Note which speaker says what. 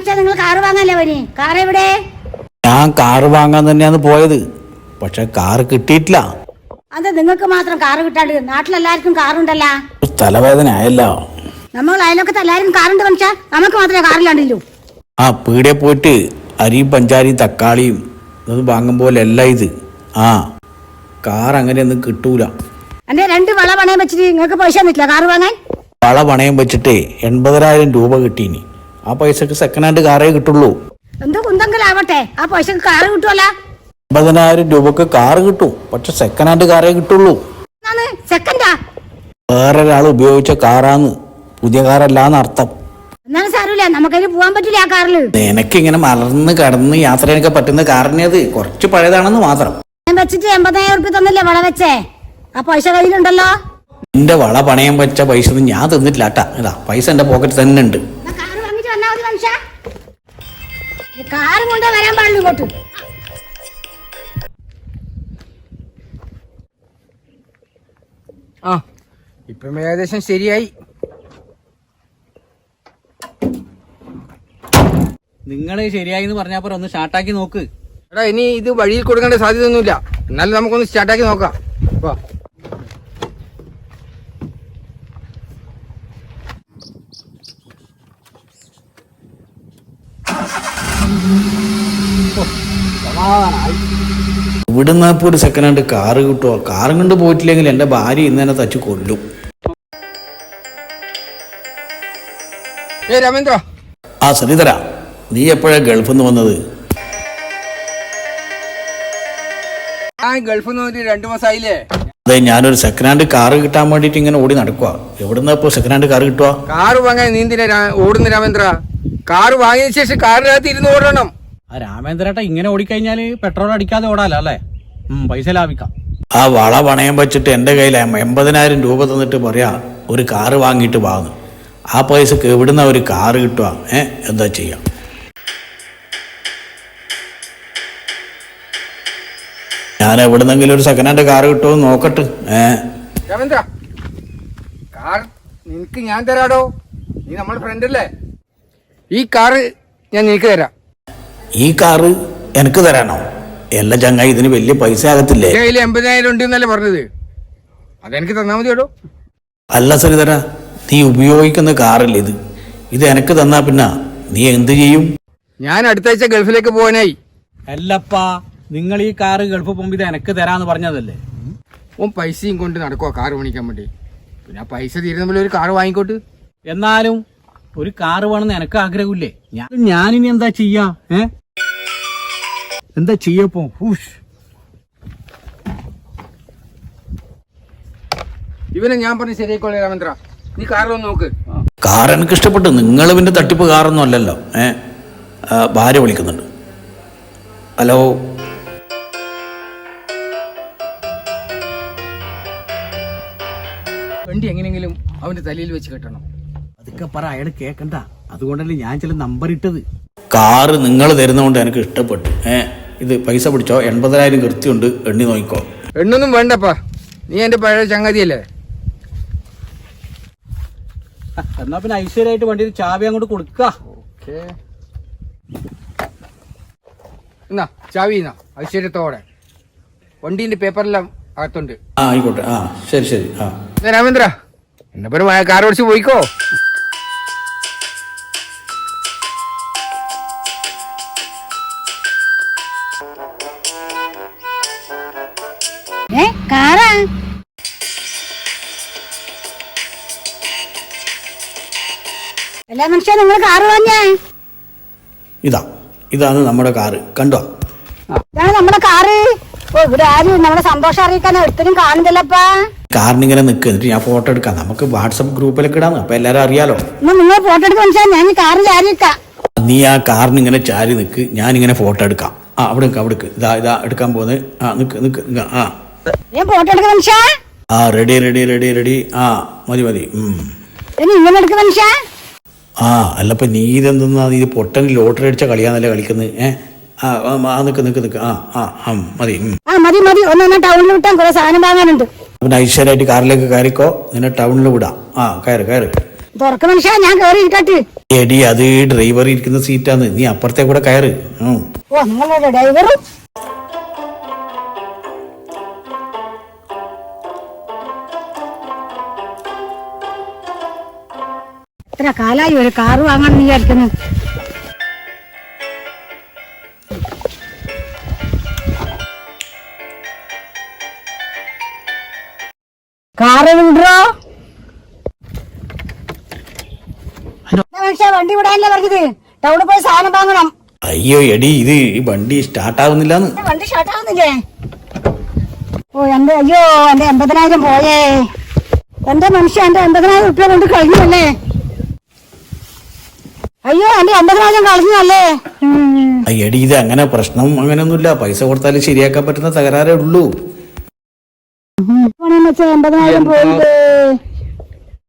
Speaker 1: മനുഷ്യ നിങ്ങൾ കാറ് വാങ്ങാല്ലേ പനി? കാർ എവിടെ?
Speaker 2: ഞാൻ കാറ് വാങ്ങാൻ തന്നെയാണ് പോയത്, പക്ഷെ കാറ് കിട്ടിയിട്ടില്ല.
Speaker 1: അത് നിങ്ങൾക്ക് മാത്രം കാറ് കിട്ടാണ്ട് നാട്ടിലെല്ലാവർക്കും കാറുണ്ടല്ലോ.
Speaker 2: തലവേദന ആയല്ലോ.
Speaker 1: നമ്മൾ അയലൊക്കത്തെ എല്ലാവരും കാറുണ്ട് മനുഷ്യ, നമുക്ക് മാത്രമേ കാറില്ലാണ്ടില്ലൂ.
Speaker 2: ആ പീടിയെ പോയിട്ട് അരിയും പഞ്ചാരിയും തക്കാളിയും ഇത് വാങ്ങും പോലെ അല്ല ഇത്. ആ കാർ അങ്ങനെയൊന്നും കിട്ടൂല.
Speaker 1: എന്റെ 2 വള പണയം വെച്ചിട്ട് നിങ്ങൾക്ക് പൈസ തന്നിട്ടില്ല കാറ് വാങ്ങാൻ?
Speaker 2: വള പണയം വെച്ചിട്ട് 80,000 രൂപ കിട്ടീനി. ആ പൈസക്ക് സെക്കൻഡ് ഹാൻഡ് കാറേ കിട്ടുള്ളൂ.
Speaker 1: എന്തോ കുന്തെങ്കിലാവട്ടെ, ആ പൈസക്ക് കാറ് കിട്ടുമല്ല.
Speaker 2: 80,000 രൂപക്ക് കാറ് കിട്ടും, പക്ഷെ സെക്കൻഡ് ഹാൻഡ് കാറേ കിട്ടുള്ളൂ.
Speaker 1: സെക്കൻഡാ?
Speaker 2: വേറൊരാൾ ഉപയോഗിച്ച കാറാന്ന്, പുതിയ കാറല്ലാന്ന് അർത്ഥം.
Speaker 1: എന്നാലും സാരമില്ല, നമുക്കതിന് പോകാൻ പറ്റില്ല ആ കാറില്.
Speaker 2: എനിക്കിങ്ങനെ മലർന്ന് കടന്ന് യാത്രയൊക്കെ പറ്റുന്ന കാറിനത് കുറച്ച് പഴയതാണെന്ന് മാത്രം.
Speaker 1: ഞാൻ വെച്ചിട്ട് 80,000 ഉറുപ്പിക തന്നില്ലേ വള വെച്ചേ? ആ പൈസ കയ്യിലുണ്ടല്ലോ.
Speaker 2: എന്റെ വള പണയം വെച്ച പൈസ ഒന്നും ഞാൻ തന്നിട്ടില്ല കേട്ടാ. ഇതാ പൈസ എന്റെ പോക്കറ്റ് തന്നെ ഉണ്ട്.
Speaker 1: കാറ് വാങ്ങിട്ട് വന്നാ മതി മനുഷ്യ, കാറും കൊണ്ടേ വരാൻ പാടുള്ളൂ ഇങ്ങോട്ട്.
Speaker 3: ആ ഇപ്പം ഏകദേശം ശരിയായി.
Speaker 4: നിങ്ങൾ ശരിയായി എന്ന് പറഞ്ഞപ്പോൾ ഒന്ന് സ്റ്റാർട്ടാക്കി നോക്ക്.
Speaker 3: എടാ ഇനി ഇത് വഴിയിൽ കൊടുക്കേണ്ട സാധ്യതയൊന്നുമില്ല, എന്നാലും നമുക്കൊന്ന് സ്റ്റാർട്ടാക്കി നോക്കാം. വാ.
Speaker 2: ഇവിടുന്ന് ഇപ്പൊ ഒരു സെക്കൻഡ് ഹാൻഡ് കാറ് കിട്ടുമോ? കാറും കൊണ്ട് പോയിട്ടില്ലെങ്കിൽ എന്റെ ഭാര്യ ഇന്ന് തന്നെ തച്ച് കൊല്ലും.
Speaker 3: രമേന്ദ്ര,
Speaker 2: ആ ശ്രീധര, നീ എപ്പോഴാ ഗൾഫിൽ നിന്ന് വന്നത്?
Speaker 3: ഞാൻ ഗൾഫിൽ നിന്ന് വന്നിട്ട് 2 മാസമായില്ലേ.
Speaker 2: അതെ, ഞാനൊരു സെക്കൻഡ് ഹാൻഡ് കാറ് കിട്ടാൻ വേണ്ടിട്ട് ഇങ്ങനെ ഓടി നടക്കുക. എവിടുന്ന ഇപ്പൊ സെക്കൻഡ് ഹാൻഡ് കാറ് കിട്ടുക?
Speaker 3: കാറ് വാങ്ങാൻ നീന്തിന ഓടുന്ന രമേന്ദ്ര? കാറ് വാങ്ങിയ ശേഷം കാറിനകത്ത് ഇരുന്ന് ഓടണം.
Speaker 4: ആ രാമേന്ദ്രേട്ട ഇങ്ങനെ ഓടിക്കഴിഞ്ഞാല് പെട്രോൾ അടിക്കാതെ ഓടാലോ അല്ലേ? പൈസ ലാഭിക്കാം.
Speaker 2: ആ വള പണയം വെച്ചിട്ട് എന്റെ കയ്യിൽ 80,000 രൂപ തന്നിട്ട് പറയാ ഒരു കാറ് വാങ്ങിയിട്ട് വാങ്ങും. ആ പൈസക്ക് എവിടുന്ന ഒരു കാറ് കിട്ടുക? എന്താ ചെയ്യാം? ഞാൻ എവിടുന്നെങ്കിലും ഒരു സെക്കൻഡ് ഹാൻഡ് കാറ് കിട്ടുമോ നോക്കട്ടെ.
Speaker 3: രമേന്ദ്ര, കാർ നിനക്ക് ഞാൻ തരാടോ, നീ നമ്മുടെ ഫ്രണ്ട് അല്ലേ. ഈ കാറ് ഞാൻ നിനക്ക് തരാം.
Speaker 2: ഈ കാറ് എനിക്ക് തരാനോ? എല്ലാ ചങ്ങായി ഇതിന് വലിയ പൈസ ആകത്തില്ലേ?
Speaker 3: കയ്യിൽ 80,000 ഉണ്ട് എന്നല്ലേ പറഞ്ഞത്, അതെനിക്ക് തന്നാ മതിയോടോ.
Speaker 2: അല്ല ശ്രീധര, നീ ഉപയോഗിക്കുന്ന കാറല്ലേ ഇത്? ഇത് എനിക്ക് തന്നാ പിന്നെ നീ എന്ത് ചെയ്യും?
Speaker 3: ഞാൻ അടുത്താഴ്ച ഗൾഫിലേക്ക് പോകാനായി.
Speaker 4: അല്ലപ്പാ, നിങ്ങൾ ഈ കാറ് ഗൾഫ് പോകുമ്പോ ഇത് എനക്ക് തരാന്ന് പറഞ്ഞതല്ലേ?
Speaker 3: ഓൻ പൈസയും കൊണ്ട് നടക്കുവാ കാറ് മേടിക്കാൻ വേണ്ടി. പിന്നെ ആ പൈസ തീരുന്ന ഒരു കാറ് വാങ്ങിക്കോട്ട്.
Speaker 4: എന്നാലും ഒരു കാറ് വേണമെന്ന് എനക്ക് ആഗ്രഹമില്ലേ? ഞാനിനി എന്താ ചെയ്യാ? എന്താ ചെയ്യപ്പോ?
Speaker 3: ഇവനെ ഞാൻ പറഞ്ഞ് ശരിയായിക്കോളെ രമേന്ദ്ര, നീ കാറിലൊന്ന് നോക്ക്.
Speaker 2: കാർ എനിക്ക് ഇഷ്ടപ്പെട്ടു. നിങ്ങൾ പിന്നെ തട്ടിപ്പ് കാറൊന്നും അല്ലല്ലോ. ഭാര്യ വിളിക്കുന്നുണ്ട്. ഹലോ,
Speaker 3: വണ്ടി എങ്ങനെയെങ്കിലും അവന്റെ തലയിൽ വെച്ച് കെട്ടണം.
Speaker 4: അതൊക്കെ പറ, അയാൾ കേക്കണ്ട. അതുകൊണ്ടല്ലേ ഞാൻ ചില നമ്പർ ഇട്ടത്.
Speaker 2: കാറ് നിങ്ങൾ തരുന്നതുകൊണ്ട് എനിക്ക് ഇഷ്ടപ്പെട്ടു. ഇത് പൈസ പിടിച്ചോ, 80,000 കൃത്യമുണ്ട്, എണ്ണി നോക്കിക്കോ.
Speaker 3: എണ്ണൊന്നും വേണ്ടപ്പാ, നീ എന്റെ പഴയ ചങ്ങാതിയല്ലേ.
Speaker 4: എന്നാ പിന്നെ ഐശ്വര്യമായിട്ട് വണ്ടിയിൽ ചാവി അങ്ങോട്ട് കൊടുക്ക.
Speaker 3: എന്നാ ചാവി എന്നാ ഐശ്വര്യത്തോടെ. വണ്ടീന്റെ പേപ്പറെല്ലാം അകത്തുണ്ട്.
Speaker 2: ആയിക്കോട്ടെ. ശരി ശരി.
Speaker 3: രാമേന്ദ്ര, എന്നെ പേര് കാർ ഓടിച്ച് പോയിക്കോ.
Speaker 1: കാറാ? എല്ലാ മനുഷ്യ നിങ്ങൾ കാറ് വാങ്ങിയേ?
Speaker 2: ഇതാണ് നമ്മുടെ കാറ്, കണ്ടോ?
Speaker 1: ഇതാണ് നമ്മുടെ കാറ്. ഇവിടെ ആരും നമ്മുടെ സന്തോഷം അറിയിക്കാൻ ഒരുത്തരും കാണുന്നില്ലപ്പാ.
Speaker 2: കാറിനിങ്ങനെ നിൽക്കുക, എന്നിട്ട് ഞാൻ ഫോട്ടോ എടുക്കാം. നമുക്ക് വാട്സപ്പ് ഗ്രൂപ്പിലൊക്കെ ഇടാം, അപ്പൊ എല്ലാരും അറിയാലോ.
Speaker 1: നിങ്ങൾ ഫോട്ടോ എടുക്കാൻ മനസ്സിലായി, ഞാൻ കാറ് ചാരിക്കാം.
Speaker 2: നീ ആ കാറിനിങ്ങനെ ചാരി നിൽക്ക്, ഞാനിങ്ങനെ ഫോട്ടോ എടുക്കാം. അവിടെ ഇതാ എടുക്കാൻ പോകുന്നത്.
Speaker 1: ഞാൻ ഫോട്ടോ എടുക്കാൻ മനുഷ്യ.
Speaker 2: Ready ready ready ready. മതി മതി.
Speaker 1: ഇങ്ങനെ എടുക്കുന്ന മനുഷ്യ.
Speaker 2: അല്ലപ്പോ നീ ഇതെന്താ, ഇത് പൊട്ടൻ ലോട്ടറി അടിച്ച കളിയാന്നല്ലേ കളിക്കുന്നത്? നിക്ക് നിക്ക് നിക്ക്. മതി
Speaker 1: മതി മതി. ഒന്ന് ടൗണിൽ വിട്ടാൻ കുറെ സാധനം വാങ്ങാനുണ്ട്.
Speaker 2: പിന്നെ ഐശ്വര്യമായിട്ട് കാറിലേക്ക് കയറിക്കോ, നിന്നെ ടൗണിൽ വിടാം. കയറ് കയറ്.
Speaker 1: തുറക്ക മനുഷ്യ, ഞാൻ കയറി ഇരിക്കട്ടെ.
Speaker 2: എടി അത് ഡ്രൈവർ ഇരിക്കുന്ന സീറ്റാന്ന്, നീ അപ്പുറത്തെ കൂടെ കയറ്.
Speaker 1: ഓ നിങ്ങളുടെ ഡ്രൈവറും എത്ര കാലായി ഒരു കാറ് വാങ്ങാൻ നീ വിചാരിക്കുന്നു. കാറ് വിടോ മനുഷ്യ, വണ്ടി വിടാനല്ലേ പറഞ്ഞത്? ടൗണിൽ പോയി സാധനം വാങ്ങണം.
Speaker 2: അയ്യോ എടി ഇത് ഈ വണ്ടി സ്റ്റാർട്ടാവുന്നില്ലാന്ന്.
Speaker 1: വണ്ടി ഷർട്ടാവുന്നില്ലേ? ഓ എന്റെ അയ്യോ എന്റെ 80,000 പോയേ. എന്റെ മനുഷ്യ, എന്റെ 80,000 റുപ്യ കൊണ്ട് കഴിഞ്ഞല്ലേ? അയ്യോ എന്റെ 80,000 കളഞ്ഞല്ലേ?
Speaker 2: എടി ഇത് അങ്ങനെ പ്രശ്നം അങ്ങനെയൊന്നുമില്ല, പൈസ കൊടുത്താലും ശരിയാക്കാൻ പറ്റുന്ന തകരാറേ ഉള്ളൂ.
Speaker 1: 80,000 പോയില്ലേ?